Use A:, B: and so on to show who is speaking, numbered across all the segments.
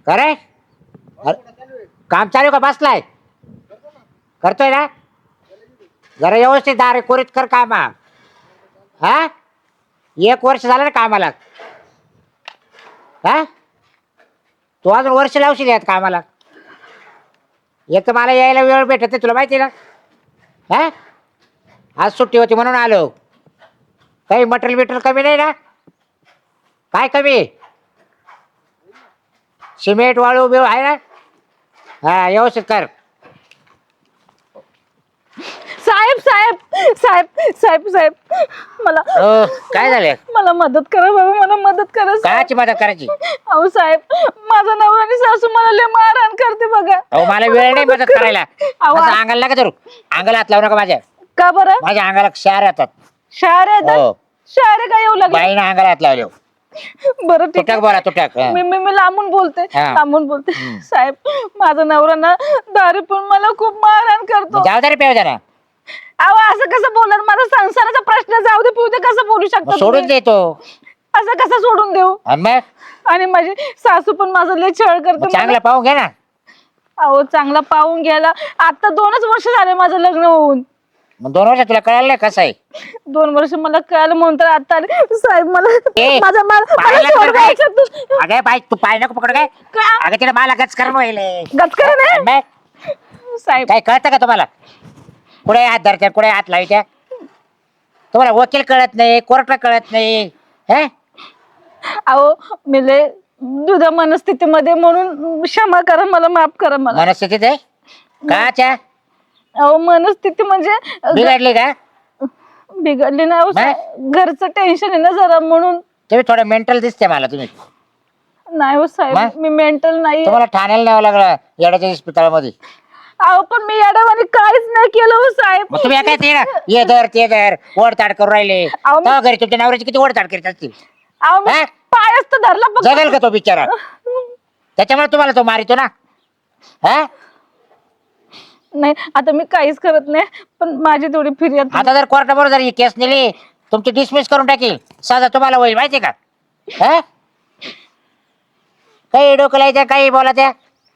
A: अरे काम चालू का बसलाय करतोय ना जरा व्यवस्थित दारे कोरीत कर काम हा 1 वर्ष झालं ना कामाला हा तू अजून वर्ष लावशील यात कामाला एक तर मला यायला वेळ भेटत नाही तुला माहिती ना हा आज सुट्टी होती म्हणून आलो काही मटेरियल बिटेरियल कमी नाही ना काय कमी सिमेंट वाळू बिळू आहे ना हा व्यवस्थित कर
B: साहेब साहेब साहेब साहेब साहेब मला
A: काय झालं
B: मला मदत करा बाबा मला मदत करा साहेब.
A: कायची मदत करायची
B: अहो साहेब माझा नवरा आणि सासू मला लय मारहाण करते बघा
A: अहो मला वेळ नाही मदत करायला
B: अहो,
A: असं अंगाला नका धरू अंगाला हात लावू नका माझ्या
B: का बरं
A: माझ्या अंगाला क्षार येतात
B: शहर
A: हो.
B: आहे शहर काय येऊ लागले
A: बाईनं अंगाला हात लावले
B: बरं ठीक
A: तुटक बोला तुटक
B: मी लांबून बोलते
A: हा.
B: लांबून बोलते साहेब माझा नवरा ना दारू पण मला खूप मारहाण करतो
A: जाऊ दे रे पेव जरा
B: अहो असं कसं बोलणार माझा संसाराचा प्रश्न जाऊ दे पिऊ दे कसं बोलू शकता
A: सोडून
B: तुम्ही?
A: देतो
B: असं कसं सोडून देऊ
A: आणि मग
B: आणि माझी सासू पण माझं लय छळ करते
A: चांगलं पाहून घे ना
B: अहो चांगला पाहून घ्यायला आता 2च वर्ष झाले माझं लग्न होऊन
A: मग 2 वर्ष तुला कळालं नाही कसं आहे
B: 2 वर्ष मला कळलं म्हणून तर आता आले. साहेब मला
A: ए,
B: माझा
A: पायाला
B: सोडवा
A: कर काय?
B: याच्यातून.
A: अगं बाई तू पाय नको पकड काय
B: का?
A: अगं तिला मला गच करून व्हायले
B: गचकन आहे?
A: मग
B: साहेब
A: काय कळतं का तुम्हाला कुठे हात धरत्या कुठे हात लावायच्या तुम्हाला वकील कळत नाही कोर्ट कळत नाही हे
B: अहो मी लय दुधा मनस्थितीमध्ये म्हणून क्षमा करा मला माफ करा मला
A: मनस्थितीत आहे काच्या
B: अहो मनस्थिती म्हणजे
A: बिघडली का
B: बिघडली नाही अहो, घरचं टेन्शन आहे ना जरा म्हणून
A: तुम्ही थोडं मेंटल दिसते मला तुम्ही
B: नाही हो साहेब
A: मग?
B: मी मेंटल नाही
A: तुम्हाला ठाण्याला न्यावं लागलं येड्याच्या इस्पितळामध्ये
B: अहो पण मी याडावानी काहीच नाही केलं हो साहेब
A: मग तुम्ही काय ते ना ये धर ते धर ओढताड करून राहिले
B: अहो, मी-
A: तेव्हा घरी तुमच्या नवऱ्याची किती ओढताड करीत असतील
B: अहो मी
A: हा?
B: पायच तर धरला फक्त.
A: जगेल का तो बिचारा त्याच्यामुळे तुम्हाला तो मारितो ना हा
B: नाही आता मी काहीच करत नाही पण माझी थोडी फिर्याद
A: आता जर कोर्टाबरोबर जर ही केस नेली तुमची डिसमिस करून टाकील साधा तुम्हाला होईल माहिती का हा काही डोकं लायच्या काही बोलायच्या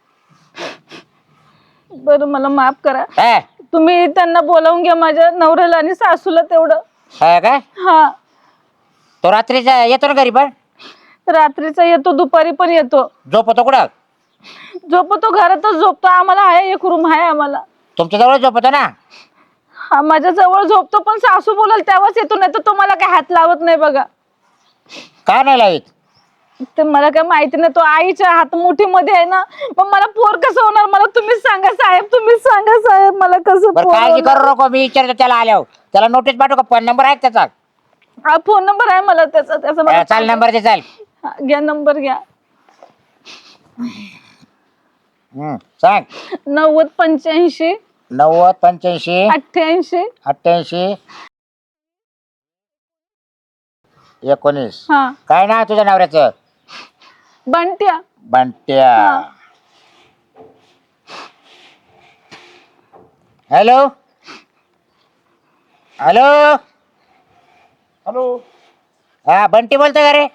B: बरं मला माफ करा
A: हा
B: तुम्ही त्यांना बोलावून घ्या माझ्या नवऱ्याला आणि सासूला तेवढं
A: हा का
B: हा
A: तो रात्रीचा येतो ना घरी पण
B: रात्रीचा येतो दुपारी पण येतो
A: झोपतो कुठं
B: झोपतो घरातच झोपतो आम्हाला आहे एक रूम आहे आम्हाला
A: तुमच्या जवळ झोपतो ना
B: हा माझ्या जवळ झोपतो पण सासू बोलाल तेव्हाच येतो नाही तर तो मला काय हात लावत नाही बघा
A: का नाही लावित
B: ते मला काय माहिती नाही तो आईच्या हातमुठीमध्ये आहे ना मग मला पोर कसं होणार मला तुम्हीच सांगा साहेब तुम्हीच सांगा साहेब मला कसं
A: बरं
B: पोर
A: काळजी
B: होणार?
A: करू नको मी विचारतो त्याला आल्यावर त्याला नोटीस पाठवू का फोन नंबर आहे का त्याचा
B: हा फोन नंबर आहे मला त्याचा त्याचा मला
A: चाल नंबर दे चाल
B: हा, घ्या नंबर घ्या
A: सांग
B: 90 85
A: 90 85
B: 88
A: 88 19
B: हा
A: काय नाव तुझ्या नवऱ्याचं
B: बंट्या
A: बंट्या
B: हा.
A: हॅलो हॅलो
C: हॅलो
A: हा बंटी बोलतोय का रे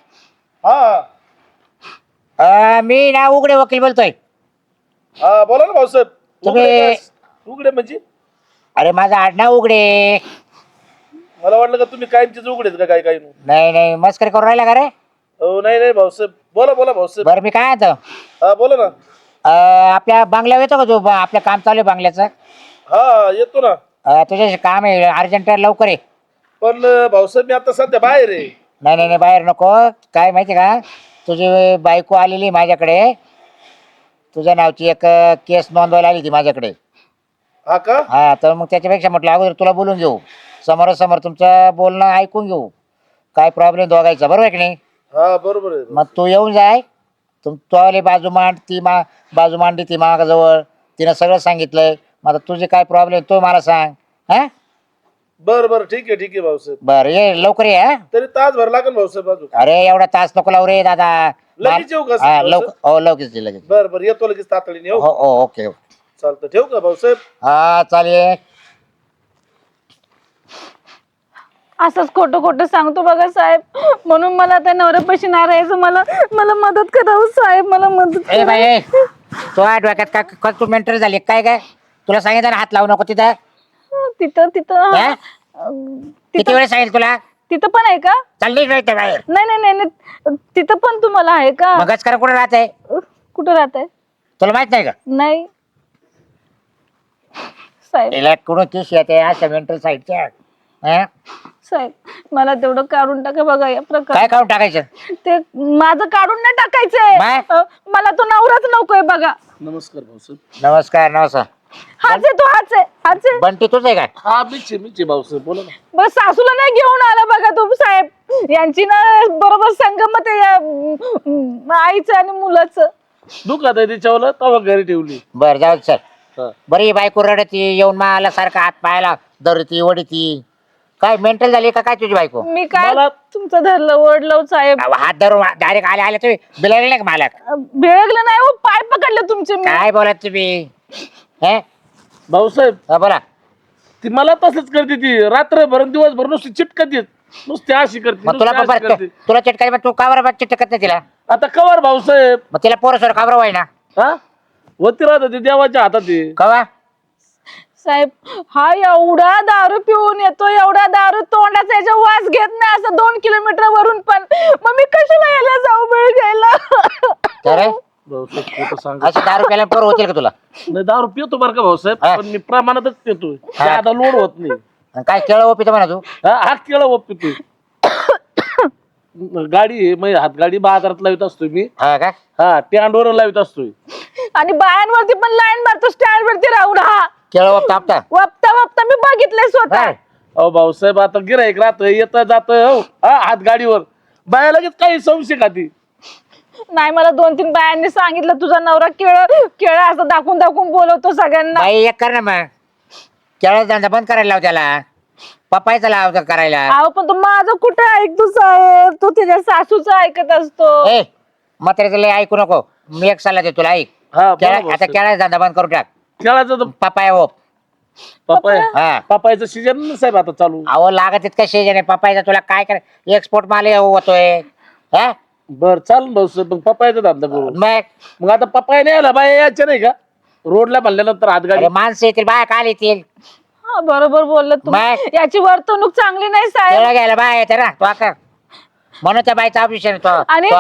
C: हा
A: मी ना उघडे वकील बोलतोय
C: हा बोला ना भाऊसाहेब
A: तुम्ही-
C: उघडे काय? उघडे म्हणजे
A: अरे माझं आडनाव उघडे
C: मला वाटलं का तुम्ही कायमचेच उघडेत का काय काय
A: नाही नाही मस्करी करून राहिला का रे
C: हो नाही नाही भाऊसाहेब बोला बोला भाऊसाहेब
A: बरं मी काय आता
C: हा बोला ना
A: आपल्या बंगल्यावर येतो का तू आपलं काम चालू आहे बंगल्याचं
C: हा येतो ना
A: तुझ्याशी काम आहे अर्जंट लवकर ये
C: पण भाऊसाहेब मी आता सध्या बाहेर आहे
A: नाही नाही नाही बाहेर नको काय माहिती का तुझी बायको आलेली माझ्याकडे तुझ्या नावची एक केस नोंदवायला आली ती माझ्याकडे
C: हा का
A: हा तर मग त्याच्यापेक्षा म्हटलं अगोदर तुला बोलून घेऊ समोरासमोर तुमचं बोलणं ऐकून घेऊ काय प्रॉब्लेम दोघायचा बरोबर आहे की नाही
C: हा बरोबर आहे
A: मग तू येऊन जाय तो आली बाजू मांड ती बाजू मांडली ती मागाजवळ तिनं सगळं सांगितलंय मग आता तुझे काय प्रॉब्लेम तो मला सांग हा
C: बरं बरं ठीक आहे भाऊसाहेब
A: बरं ये लवकर ये हा
C: तरी तासभर लागेल भाऊसाहेब अजून
A: अरे एवढा तास नको लावू रे दादा
C: लगेच येऊ का
A: हा
C: भाऊसाहेब?
A: लवकर हो लगेच ये, लगेच
C: बरं बरं येतो लगेच तातडीने येऊ
A: हो हो ओके
C: चालतं ठेवू का भाऊसाहेब
A: हा चालेल
B: असंच खोटं खोटं सांगतो बघा साहेब, म्हणून मला त्या नवऱ्यापाशी नाही राहायचं. मला मला मदत करा हो साहेब, मला मदत
A: ए
B: करा.
A: बाई ए, तो डोक्यात का तू मेंटर झाली काय काय? तुला सांगितलं ना हात लावू नको तिथं.
B: तिथं तिथं
A: हा? किती
B: तिथं
A: वेळ सांगितलं तुला?
B: तिथं पण आहे का?
A: चालली नाही ते बाहेर.
B: नाही नाही नाही नाही. तिथं पण तुम्हाला आहे का?
A: मगच करा कुठं राहत आहे?
B: कुठं राहत आहे?
A: तुला माहित नाही का?
B: नाही साहेब.
A: तिला कुठं केस येते अशा मेंटल साईडच्या.
B: साहेब मला तेवढं काढून टाका बघा या प्रकार.
A: काय काढून टाकायचं?
B: ते माझं काढून नाही टाकायचंय.
A: बाय.
B: मला तो नवराच नकोय बघा.
C: नमस्कार भाऊसाहेब.
A: नमस्कार नमस्कार.
B: हाच आहे तो, हाच आहे, हाच आहे.
A: बंटी तुझ आहे काय?
C: हा मीच भाऊसाहेब बोला ना.
B: बस सासूला नाही घेऊन आला बघा तो साहेब. यांची ना बरोबर संगमत आहे या आईचं आणि मुलाचं.
C: दुखात आहे तिच्यावर तवा घरी ठेवली.
A: बर जाऊ दे, चल.
C: हा.
A: बरी बायको रडती येऊन मला सारखा हात पायाला धरती वडीती. काय मेंटल झाली का काय तुझी बायको?
B: मी काय
C: मला-
B: तुमचं धरलं ओढलं साहेब.
A: हात धरून डायरेक्ट आले तुम्ही बिलायला नाही का मला?
B: भेळगलं नाही हो, पाय पकडले तुमचे मी.
A: काय बोलत तुम्ही? हे?
C: भाऊसाहेब
A: हा, बोला.
C: ती मला तसंच करते, ती रात्रभर आणि दिवसभर नुसती चिटकत येत, नुसती अशी करते,
A: मग तुला
C: नुसती
A: पण
C: अशी करते.
A: तुला चिटकाय तू का बरं चिटकत नाही तिला?
C: आता कवर भाऊसाहेब.
A: मग तिला पोरसोर का बरं व्हाय ना?
C: हा होती राहत ती देवाच्या हातात आहे.
A: कवा?
B: साहेब हा एवढा दारू पिऊन येतो, एवढा दारू तोंडाचा याच्या वास घेत नाही असं 2 किलोमीटर वरून पण. मग मी कशाला यायला जाऊ वेळ घ्यायला?
A: तर
C: भाऊसाहेब खोटं सांग.
A: अशी दारू प्यायला पोर होतील का तुला?
C: नाही दारू पितो बरं का भाऊसाहेब,
A: हा.
C: पण मी प्रमाणातच पितोय.
A: हा.
C: आता लोड होत नाही.
A: आणि काय केळं ओपित म्हणा तू?
C: हात केळं व पितोय. गाडी आहे, मग हात गाडी बाजारात लावित असतोय मी.
A: हा का?
C: हा स्टँडवर लावित असतोय.
B: आणि बायांवरती पण लाईन मारतो स्टँड वरती राहून. हा
A: केळं ओपता आपता?
B: वप्ता वप्ता मी बघितलंय स्वतः.
A: हा.
C: अहो भाऊसाहेब आता गिराईक राहत येत जात हात गाडीवर बाया लगेच काही संशय खाती.
B: नाही मला 2-3 बायांनी सांगितलं तुझा नवरा केळ असं दाखवून दाखवून बोलवतो सगळ्यांना.
A: बाई एक कर ना मग, केळं धंदा बंद करायला लाव त्याला, पप्पायचा लाव करायला.
B: अहो पण तो माझं कुठे ऐकतो साहेब, तो त्याच्या सासूचं ऐकत असतो.
A: ए म्हाताऱ्याचं लय ऐकू नको. मी एक सल्ला देतो तुला, ऐक.
C: हा
A: आता केळाचा धंदा बंद करून टाक.
C: केळाचं तर
A: पप्पाय ओप.
C: पपाय
A: हा.
C: पपायचं सीजन साहेब आता चालू.
A: अहो लागत इतका शेज आहे पप्पायचा. तुला काय कर, एक्सपोर्ट माल होतोय. हा
C: बर चालून भाऊसाहेब मग पपायचा धंदा करू.
A: मग
C: मग आता पपाय नाही आला बाया यायच्या नाही का रोडला म्हणल्यानंतर हात गाडी.
A: अरे माणसं येतील, बाया काल येतील.
B: हा बरोबर बोललं तुम्ही.
A: मग?
B: याची वर्तणूक चांगली नाही साहेब.
A: केळं घ्यायला बाया येते ना, तो का म्हणून त्या बाईचा ऑपरेशन
B: आणि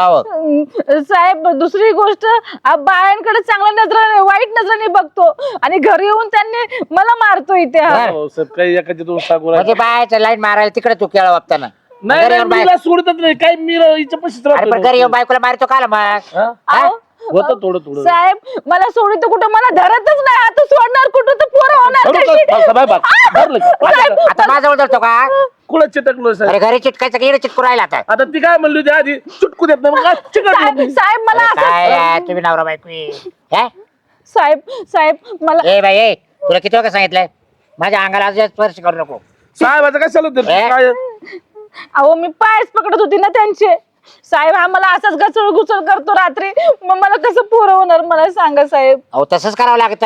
B: साहेब दुसरी गोष्ट, बायांकडे चांगल्या नजराने वाईट नजराने बघतो आणि घरी येऊन त्यांनी मला मारतो इथे. हा.
A: बर.
C: भाऊसाहेब काही एखादी दोन सांगू
A: म्हणजे
C: राहिले.
A: बायाचं लाईन मारायला तिकडे तू केळं वापताना.
C: नाही
A: घरी
C: नाही,
A: येऊन बाय-
C: मीला सोडतच नाही काही, मी हिच्या पशीच
A: अरे पण घरी येऊन बायकोला मारतो काल मग?
C: हा?
B: अहो,
C: होतं थोडं थोडं.
B: साहेब मला सोडित कुठं, मला धरतच नाही. आता सोडणार कुठं तर पोरं होणार
C: धरू
B: कशी?
C: का? भाऊसाहेब, बघ, धरलं का?
B: साहेब,
A: आता माझ्याजवळ धरतो का?
C: कुठं चिटकलो साहेब?
A: अरे घरी चिटकायचं की इकडे चिटकू राहिला आता?
C: आता ती काय म्हणली होती आधी चुटकू देत नाही, मग आज चिकटलो
B: साहेब
C: मी.
B: साहेब मला
A: अरे काय यार,
B: असं
A: तुम्ही नवरा बायको आहे. हे?
B: साहेब साहेब मला
A: ए बाई ए, तुला किती वेळा सांगितलंय माझ्या अंगाला अजून स्पर्श करू नको.
C: साहेबाचं कशाला देतो?
A: ए?
C: काय
B: अहो मी पायच पकडत होती ना त्यांचे. साहेब हा मला असाच घसळ घुसळ करतो रात्री. मग मला कसं पोरं होणार मला सांगा साहेब.
A: अहो तसंच करावं लागतं.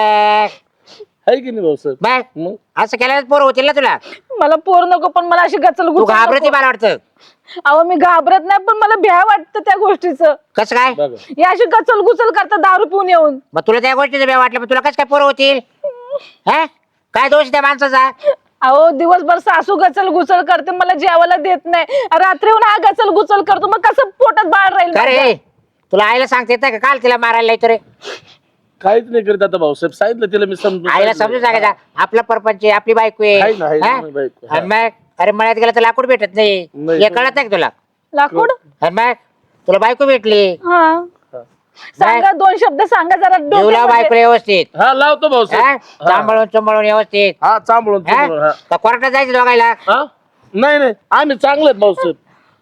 C: आहे की नाही भाऊसाहेब?
A: मग
C: मग
A: असं केल्यास पोरं होतील ना तुला.
B: मला पोर नको, पण मला अशी गचल
A: तू
B: घुसळ
A: घाबरती
B: नको.
A: मला वाटतं.
B: अहो मी घाबरत नाही, पण मला भ्या वाटतं त्या गोष्टीचं.
A: कसं काय?
C: बघा
B: या अशी गचल घुसळ करता दारू पिऊन येऊन.
A: मग तुला त्या गोष्टीचं भ्या वाटलं, मग तुला कसं काय पोरं होतील? हा काय दोष त्या माणसाचा?
B: अहो दिवसभर सासू गचल घुसळ करते, मला जेवायला देत नाही. रात्रीहून हा गचल घुसळ करतो, मग कसं पोटात बाळ राहील
A: का
B: माझ्या?
A: रे तुला आईला सांगता येतं का काल तिला मारायला येतो रे?
C: काहीच नाही करीत आता भाऊसाहेब, सांगितलं तिला मी समजून.
A: आईला समजून सांगायचा आपला परपंच आहे, आपली बायको
C: आहे ना, आहे
A: आहे.
C: ना,
A: हा?
C: माझी बायको, हा.
A: आणि मग अरे मळ्यात गेला तर लाकूड भेटत नाही,
C: नाही.
A: हे कळत नाही का तुला?
B: लाकूड.
A: आणि मग तुला बायको भेटली,
B: हा
C: हा.
B: सांगा 2 शब्द सांगा जरा
A: जीवला
B: डोक्यामध्ये.
A: बायको व्यवस्थित.
C: हा लावतो
A: हा?
C: भाऊसाहेब.
A: सांभाळून सांभाळून व्यवस्थित.
C: हा चांबळून
A: हा?
C: चांबळून, हा.
A: का कोर्टात जायचं दोघायला?
C: हा? नाही नाही आम्ही चांगले आहेत भाऊसाहेब.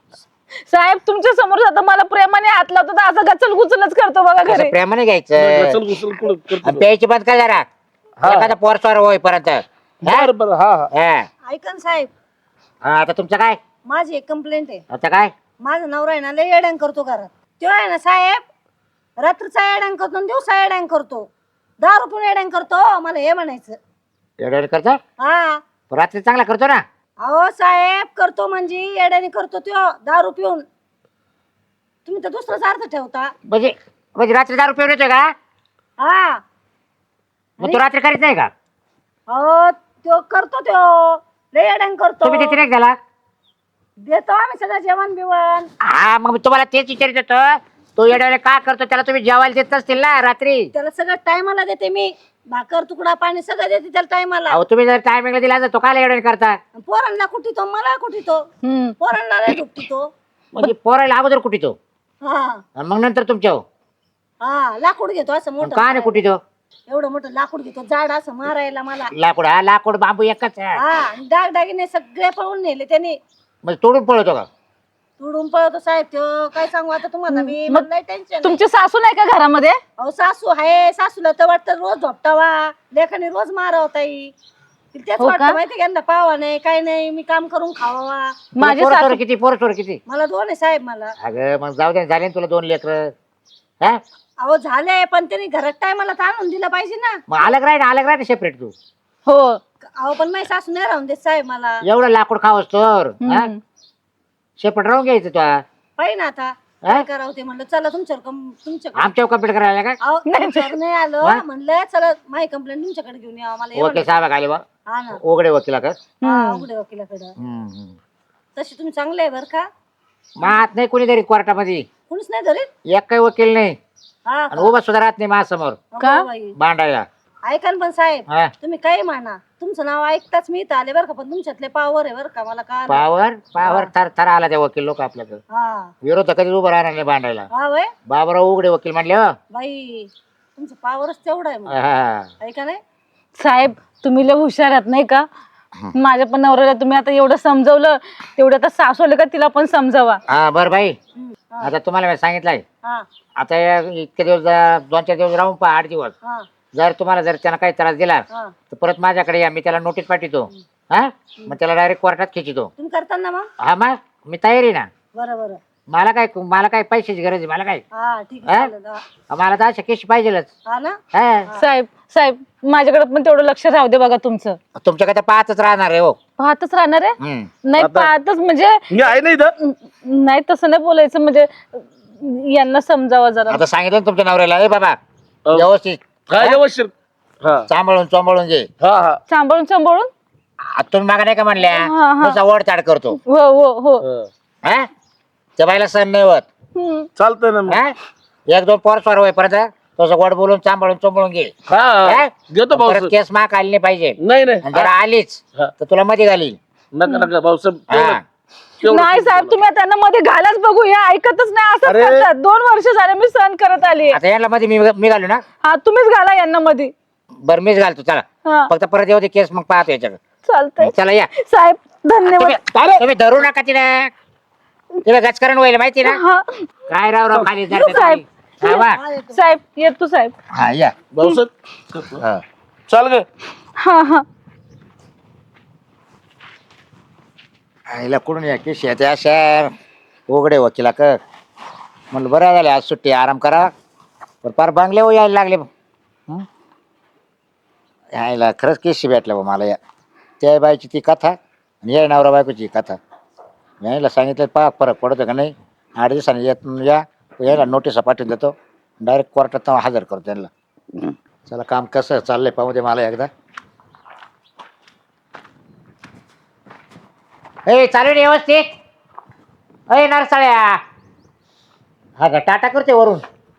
B: साहेब तुमच्या समोर जाता मला प्रेमाने हात लावतो तर असं गचल घुचलच करतो बघा
A: असं
B: घरी.
A: प्रेमाने घ्यायचं
C: घुसल घुसल कुठं
A: आणि
C: करतो.
A: प्यायची बंद कर जरा.
C: हा.
A: एखादा पोरस्वार होईपर्यंत. हा?
C: बरं बरं हा हा.
A: हा.
D: ऐकन साहेब,
A: हा, आता तुमचं काय?
D: माझी एक कंप्लेंट आहे.
A: आता काय?
D: माझा नवरा आहे ना लय येड्यां करतो घरात. तो आहे ना साहेब, रात्रीचा येड्यां करतो आणि दिवसा येड्यां करतो. दारू पण येड्यां करतो. मला हे म्हणायचं.
A: एवढं करतो
D: हा
A: रात्री चांगला करतो ना.
D: अहो साहेब करतो म्हणजे येड्याने करतो तो दारू पिऊन. तुम्ही तर दुसराच अर्थ ठेवता.
A: म्हणजे म्हणजे रात्री दारू पिऊन येतोय का?
D: हा
A: मग तू रात्री करीत नाही का?
D: अहो तो करतो तो लय येड्याने करतो.
A: तुम्ही तिथे नाही गेला?
D: देतो आम्ही सगळं जेवण बिवण.
A: हा मग मी तुम्हाला तेच विचारित होतो, तो येड्याला का करतो? त्याला तुम्ही जेवायला देत नसतील ना रात्री?
D: त्याला सगळं टायमाला देते मी. भाकर तुकडा पाणी सगळं देते त्याला टायमाला.
A: अहो तुम्ही जर टायमिंगला दिला तर तो काय येड्याने करता?
D: पोरांना कुठी तो मला कुठी तो पोरांना नाही दुखती तो.
A: म्हणजे पोरायला अगोदर कुठे तो
D: हा
A: आणि मग नंतर तुमच्या
D: हा लाकूड घेतो असं मोठं.
A: का नाही कुठे तो?
D: एवढं मोठं लाकूड घेतो जाड असं मारायला मला.
A: लाकूड हा लाकूड बांबू एकच आहे.
D: हा दागदागिने सगळे पळून नेले त्याने.
A: म्हणजे तोडून पळतो का?
D: तुडून पळतो साहेब तो. काय सांगू आता तुम्हाला मी.
B: मग
D: मला टेन्शन.
B: तुमची सासू नाही का घरामध्ये?
D: अहो सासू आहे. सासूला तर वाटतं रोज झोपटावा लेखाने रोज मारावं ताई. तेच
B: हो का?
D: वाटतं माहिती का यांना पावा नाही काय नाही मी काम करून खावा.
B: माझी
A: पोरं
B: सासू
A: सोरं किती? पोरं सोरं किती?
D: मला 2 आहे साहेब मला.
A: अगं मग जाऊ दे, झाले ना तुला 2 लेकर. हा
D: अहो झाले पण त्यांनी घरात टायमाला तर आणून दिलं पाहिजे ना.
A: मग अलग राह ना सेपरेट तू.
B: हो.
D: अहो पण माझी सासू नाही राहून देत साहेब मला.
A: एवढं लाकूड खावस तर
B: हम्म.
A: सेपरेट राहून घ्यायचं तुला.
D: पाहिजे ना आता काय करावं ते म्हणलं चला तुमच्याकडे
A: आमच्यावर कंप्लीट करायला का?
D: अहो तुमच्याकडे नाही आलो
A: हा?
D: म्हणलं चला माझी कंप्लेंट तुमच्याकडे घेऊन यावं मला
A: वकील
D: एवढं.
A: साहेब आले बा,
D: हा ना
A: उघडे वकिला का?
D: हा, उघडे वकिलाकडं.
A: हम्म.
D: तशी तुम्ही चांगले आहे बरं का.
A: मात नाही कोणीतरी कोर्टामध्ये,
D: कुणीच नाही धरीत.
A: एक काही वकील नाही
D: हा
A: आणि उभा सुद्धा राहत नाही माझ्यासमोर
B: का?
D: हो बाई.
A: भांडायला.
D: ऐका ना पण साहेब
A: हा.
D: तुम्ही काही म्हणा तुमचं नाव ऐकताच मी इथं आले बरं का. पण तुमच्यातले पावर आहे बरं का मला का.
A: पावर थर थर आला त्या वकील लोक आपल्याकडे.
D: हा
A: विरोध कधी उभं राहणार नाही भांडायला.
D: हा वय
A: बाबराव उघडे वकील म्हणले हो.
D: बाई तुमचं पावरच तेवढं आहे मग.
A: हा.
D: ऐका नाही.
B: साहेब तुम्ही लय हुशार आहात नाही का? माझ्या पण नवऱ्याला तुम्ही आता एवढं समजवलं तेवढं आता सासू आलं का तिला पण समजावा.
A: हा बरं बाई,
D: हा
A: आता तुम्हाला मी सांगितलंय
D: हा
A: आता इतके दिवस 2-4 दिवस राहून पहा, 8 दिवस.
D: हा
A: जर तुम्हाला जर त्यानं काही त्रास दिला
D: हा
A: तर परत माझ्याकडे या, मी त्याला नोटीस पाठवतो. हा मग त्याला डायरेक्ट कोर्टात खिचितो.
D: तुम्ही करताना मग.
A: हा मग मी तयारी ना.
D: बरं बरं
A: मला काय पैशाची गरज आहे? मला काय,
D: हा ठीक आहे
A: हा?
D: चालेल.
A: मला तर अशा केस पाहिजेलच.
D: हा ना.
A: हा.
B: साहेब साहेब माझ्याकडे पण तेवढं लक्ष राहू दे बघा तुमचं.
A: तुमच्याकडे तर पाहतच राहणार आहे हो.
B: पाहतच राहणार आहे.
A: हम्म.
B: नाही
C: आता-
B: पाहतच म्हणजे
C: मी आहे ना इथं.
B: नाही तसं नाही बोलायचं म्हणजे यांना समजावा जरा.
A: आता सांगितलं ना तुमच्या नवऱ्याला, ए बाबा
C: हो.
A: व्यवस्थित
C: काय व्यवस्थित. हा
A: सांभाळून घे.
C: हा हा
B: सांभाळून सांभाळून.
A: तुम्ही मागा नाही का म्हणल्या
B: हा, हा.
A: तुझा वडताड करतो.
B: हो हो हो.
C: हा.
A: हा त्या बाईला सण नाही होत.
B: हम्म.
C: चालतंय ना मग.
A: हा 1-2 पोर स्वार होईपर्यंत तुझं गोड बोलून सांभाळून घे.
C: हा
A: हा?
C: घेतो
A: परत
C: भाऊसाहेब.
A: केस माग आली नाही पाहिजे.
C: नाही नाही
A: आणि जर आलीच
C: हा.
A: तर तुला मध्ये घालील.
C: नका नका भाऊसाहेब.
A: हा.
C: तेवढं
B: नाही साहेब तुम्ही त्यांना मध्ये घालाच बघू या ऐकतच नाही असं
C: अरे.
B: करतात. 2 वर्ष झाले मी सहन करत आली.
A: आता याला मध्ये मी घालू ना.
B: हा तुम्हीच घाला यांना मध्ये.
A: बरं मीच घालतो चला.
B: हा
A: फक्त परत येऊ दे केस, मग पाहतो याच्याकडे.
B: चालतंय
A: चला या.
B: साहेब धन्यवाद.
A: तुम्ही धरू नका तिला गचकरण होईल माहिती ना.
B: हा
A: काय राव खाली
B: साहेब.
A: हा वा.
B: साहेब येतो साहेब.
A: हा या.
C: भाऊसाहेब
A: हा.
C: चाल ग.
B: हा हा
A: आईला कुठून या केस येते अशा उघडे वकिला कर म्हणलं बरं झालं आज सुट्टी आराम करा. पण पार बंगले हो यायला लागले. यायला खरंच केस भेटलं बा मला. या त्या बाईची ती कथा आणि या नवरा बायकोची कथा. यायला सांगितलं पहा फरक पडतो का नाही. 8 दिवसांनी या यायला नोटीस पाठवून देतो. डायरेक्ट कोर्टात हजर करतो त्यांना. चला काम कसं चाललंय पाहू दे मला एकदा. ए चालू रे व्यवस्थित. अय नरसाळ्या. हा का टाटा करते वरून.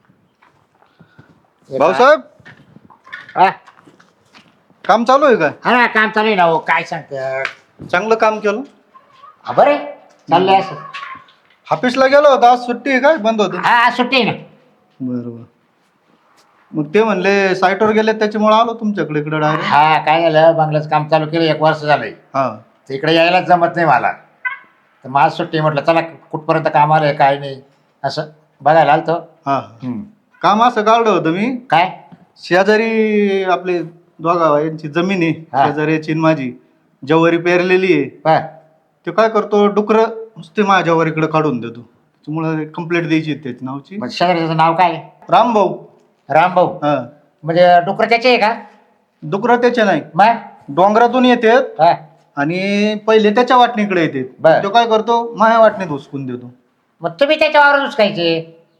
E: भाऊसाहेब
A: हा
E: काम चालू आहे काय?
A: हा, काम चालू आहे ना हो. काय सांगत
E: चांगलं काम केलं.
A: बरे चाललंय असं.
E: ऑफिसला गेलो होतो आज सुट्टी आहे काय बंद होतं?
A: हा आज सुट्टी आहे ना.
E: बरोबर. मग ते म्हणले साईटवर गेले त्याच्यामुळे आलो तुमच्याकडे इकडे डायरेक्ट.
A: हा काय झालं बंगल्याचं काम चालू केलं 1 वर्ष झालंय.
E: हा
A: तिकडे यायलाच जमत नाही मला. तर मग आज सुट्टी म्हटलं चला कुठपर्यंत काम आलंय काय नाही असं बघायला आलतो.
E: हा काम असं काढलं होतं मी.
A: काय
E: शेजारी आपले दोघा यांची जमीन आहे
A: हा.
E: शेजाऱ्याची आणि माझी जवारी पेरलेली आहे.
A: हा.
E: ते काय करतो डुकर नुसते माझ्या जवारीकडे काढून देतो. त्याच्यामुळे कंप्लेंट द्यायची आहे त्याच्या नावची.
A: म्हणजे शेजाऱ्याचं नाव काय?
E: रामभाऊ.
A: रामभाऊ.
E: हा
A: म्हणजे डुकर त्याचे आहे का?
E: डुकर त्याचे नाही
A: मग
E: डोंगरातून येतात
A: हा
E: आणि पहिले त्याच्या वाटणीकडे येते
A: बर.
E: तो काय करतो माझ्या वाटणीत हुसकून देतो.
A: मग तुम्ही त्याच्यावर उचकायचे.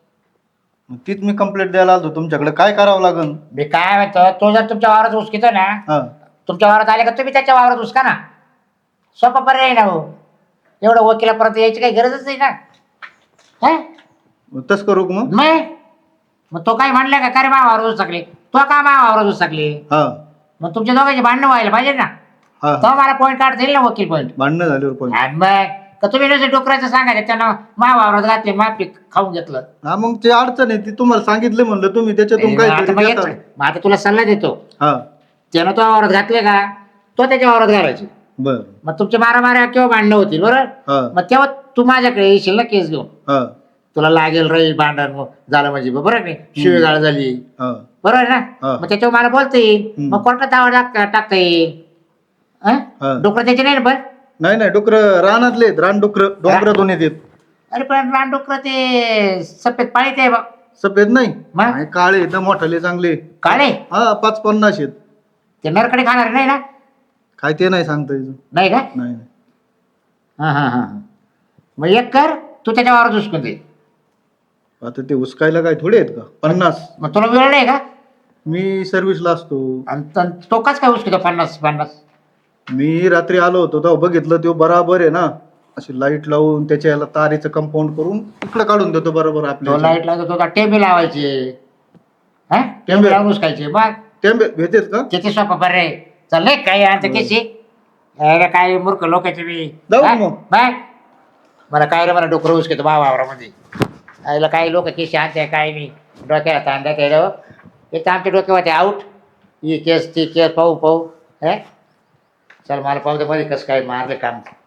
E: मग तीच मी कंप्लेंट द्यायला आलो तुमच्याकडे. काय करावं लागेल?
A: मी काय म्हणतो, तो जर तुमच्या वावरात उचकितो ना,
E: हा
A: तुमच्या वावरात आले का तुम्ही त्याच्या वावरात उचका ना. सोपा पर्याय ना हो. एवढं वकिलापर्यंत यायची काही गरजच नाही ना. हा?
E: मग तसं करू का मग?
A: मग तो काय म्हणला का रे मा वावरात उचकले, तो का मा वावरात उचकले?
E: हा
A: मग तुमच्या दोघांची भांडणं व्हायला पाहिजे ना.
E: हा
A: तो मला पॉईंट काढता येईल ना, वकील पॉईंट.
E: भांडणं झाल्यावर पण.
A: आणि मग का तुम्ही नुसतं डोकराचं सांगायचं त्यानं मा वावरात घातले, मा पीक खाऊन घेतलं.
E: हा मग ते अडचण आहे ती तुम्हाला सांगितलं म्हणलं तुम्ही त्याच्यातून
A: मग
E: काय
A: आता तुला सल्ला देतो.
E: हा
A: त्यानं तो वावरात घातले का, तो त्याच्या वावरात घालायचे.
E: बर
A: मग तुमचे मारामाऱ्या किंवा भांडणं होतील बरोबर.
E: हा
A: मग तेव्हा तू माझ्याकडे येशील ना केस घेऊन.
E: हा
A: तुला लागेल रे भांडण झालं म्हणजे बरोबर नाही, शिवीगाळ झाली
E: हा
A: बरोबर ना.
E: हा.
A: मग त्याच्यावर मला बोलता येईल.
E: हम्म.
A: मग कोर्टात दावा टाकता येईल.
E: हा.
A: डोकं त्याचे नाही ना पण.
E: नाही डुकर रानातले आहेत, रान डुकर डोंगरातून येतात.
A: अरे पण रानडुकर ते सफेद पाळीत आहे बा.
E: सफेद नाही
A: मग?
E: नाही, काळे आहेत ना, मोठाले चांगले.
A: काळे
E: हा 5-50 आहेत.
A: ते नरकडे खाणार नाही ना.
E: काय ते नाही सांगता यायचं.
A: नाही का?
E: नाही
A: हा हा हा. मग एक कर, तू त्याच्या वावरात उचकून दे.
E: आता ते उचकायला काय थोडे आहेत का 50?
A: मग तुला वेळ नाही का?
E: मी सर्व्हिसला असतो.
A: आणि तो काच काय उचकितो 50-50?
E: मी रात्री आलो होतो तेव्हा बघितलं तो बराबर आहे ना, अशी लाईट लावून त्याच्या याला तारीचं कंपाऊंड करून इकडे काढून देतो बरोबर.
A: तो
E: आपल्या
A: लाईट लावतो, तो टेबे लावायचे. हा टेबे लावून उचकायचे. मग
E: टेंबे भेटेत का?
A: किती सोपा बरे. चाललंय काय आणतं केशी. यायला काय मूर्ख लोकांचे मी.
E: जाऊ
A: हा?
E: मग.
A: बाय. मला काय रे, मला डोकरं उचकतो बा वावरामध्ये. यायला काही लोक केशी आणते काय मी डोक्याला तांद्या केलं. एक तर आमच्या डोक्यावर आऊट, ही केस ती केस पाहू. चल मला पाहू दे मध्ये कसं काय मारले काम.